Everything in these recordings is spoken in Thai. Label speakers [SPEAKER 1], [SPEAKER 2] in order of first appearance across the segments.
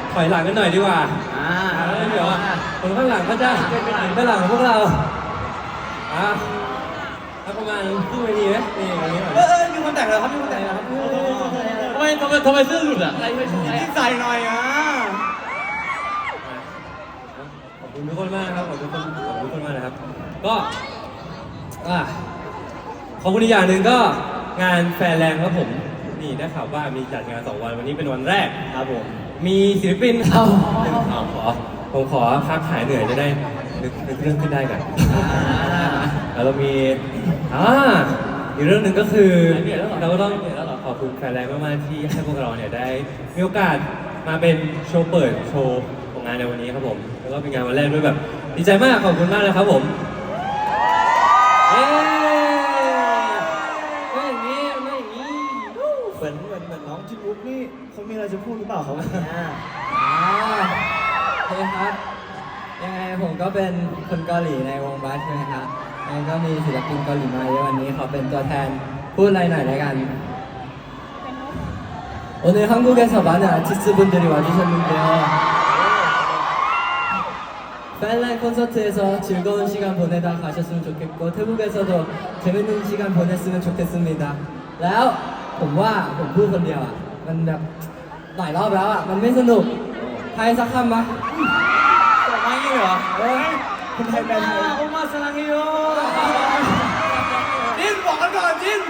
[SPEAKER 1] ถอยหลังกันหน่อยดีกว่าเดี๋ยวคนข้างหลังก็จะข้างหลังของพวกเราประมาณครึ่งนาทีไหมนี่อย่างนี้
[SPEAKER 2] มีคนแต่งแล้วครับมีคนแต่งแล้วครับ
[SPEAKER 3] ทำไมเสื้อหลุดอ่ะ
[SPEAKER 2] ใส่หน่อย
[SPEAKER 1] ขอบคุณทุกคนมากครับขอบคุณทุกคนมากนะครับก็ขอบคุณอีกอย่างหนึ่งก็งานแฟนแรงครับผมนี่ได้ข่าวว่ามีจัดงาน2 วันวันนี้เป็นวันแรก
[SPEAKER 2] ครับผม
[SPEAKER 1] มีศิลปินเข้าผมขอพักหายเหนื่อยจะได้นึกเรื่องขึ้นได้กันแล้วเรามีอีกเรื่องหนึ่งก็คือเราก็ต้องขอบคุณแฟนแรงมากๆที่ให้พวกเราเนี่ยได้มีโอกาสมาเป็นโชว์เปิดโชว์ของงานในวันนี้ครับผมแล้วก็เป็นงานวันแรกด้วยแบบดีใจมากขอบคุณมากเลยครับผม
[SPEAKER 2] ไม่อย่างนี้เหมือนน้องจินบุ๊กนี่เขามีอะไรจะพูดหรือเปล่าเขา
[SPEAKER 4] โอเคครับยังไงผมก็เป็นคนเกาหลีในวงบัสใช่ไหมครับยังไงก็มีศิลปินเกาหลีมาเยอะวันนี้เขาเป็นตัวแทนพูดอะไรหน่อยแล้วกัน오늘 한국에서 많은 아티스트분들이 와주셨는데요. 팬라인 콘서트에서 즐거운 시간 보내다 가셨으면 좋겠고 태국에서도 재밌는 시간 보냈으면 좋겠습니다. แล้วผมว่าผมพูดคนเดียวอ่ะมันแบบหลายรอบแล้วอ่ะมันไม่สนุกใครสักคำมา
[SPEAKER 2] ไม่เหรอคุณไทยแปลไทยโอมาสลังโยจินบอกกันก่อนจิน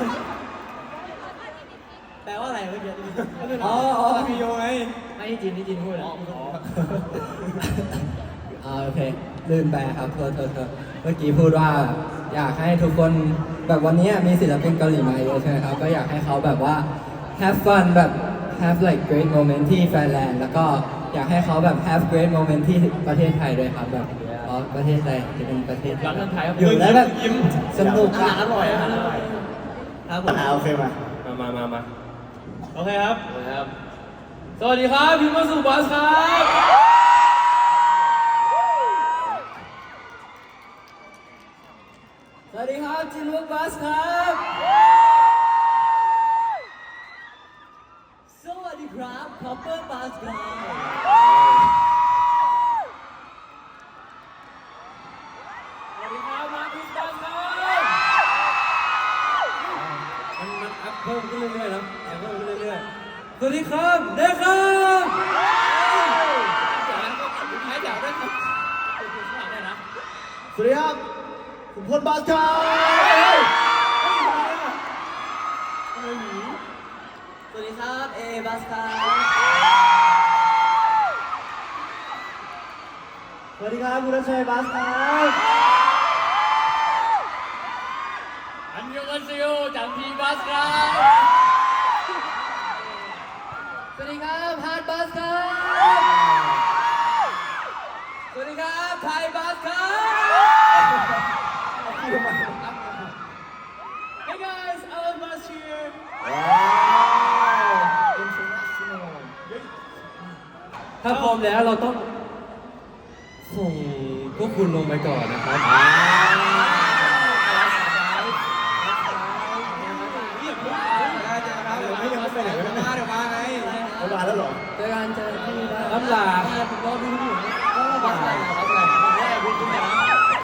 [SPEAKER 2] แปลว่าอะไรเมื่อกี้มีโยไง
[SPEAKER 4] ไม่จินพูดโอเคลืมไปครับเธอเมื่อกี้พูดว่าอยากให้ทุกคนแบบวันนี้มีศิลปินเกาหลีมาเยอะใช่ไหมครับก็อยากให้เขาแบบว่า have fun แบบ have like great moment ที่แฟนแลนด์แล้วก็อยากให้เขาแบบ have great moment ที่ประเทศไทยด้วยครับแบบประเทศไทยเป็นประเทศอยู่แล้วแบบสนุก
[SPEAKER 2] อร่อยครับผมโอเคมา
[SPEAKER 3] โอเคครับสวัสดีครับพี่มาสุบัสครับ
[SPEAKER 4] สวัสดีครับจินวุกบัสครับสวัสดีครับคอปเปอร์บัสครับ
[SPEAKER 3] สวัสดีครับมาร์คบัสครับ
[SPEAKER 1] มันอัพเพิ่มขึ้นเรื่อยๆนะเพิ่มขึ้นเรื่อยๆสวัสดีครับเด็กครับ
[SPEAKER 2] สวัสดีครับคุณพลบัสครับ
[SPEAKER 4] สวัสดีครับเอบัสครับ
[SPEAKER 2] สวัสดีครับคุณรัชชัยบัสครับ
[SPEAKER 3] อันยองอันเซโยจังพีบัสครับ
[SPEAKER 4] สวัสดีครับฮาร์ดบัสครับสวัสดีครับไทยบัสครับ
[SPEAKER 3] Hey guys Alan Bas here
[SPEAKER 1] ถ้าพร้อมแล้วเราต้องส่งพวกคุณลงไปก่อนนะครับ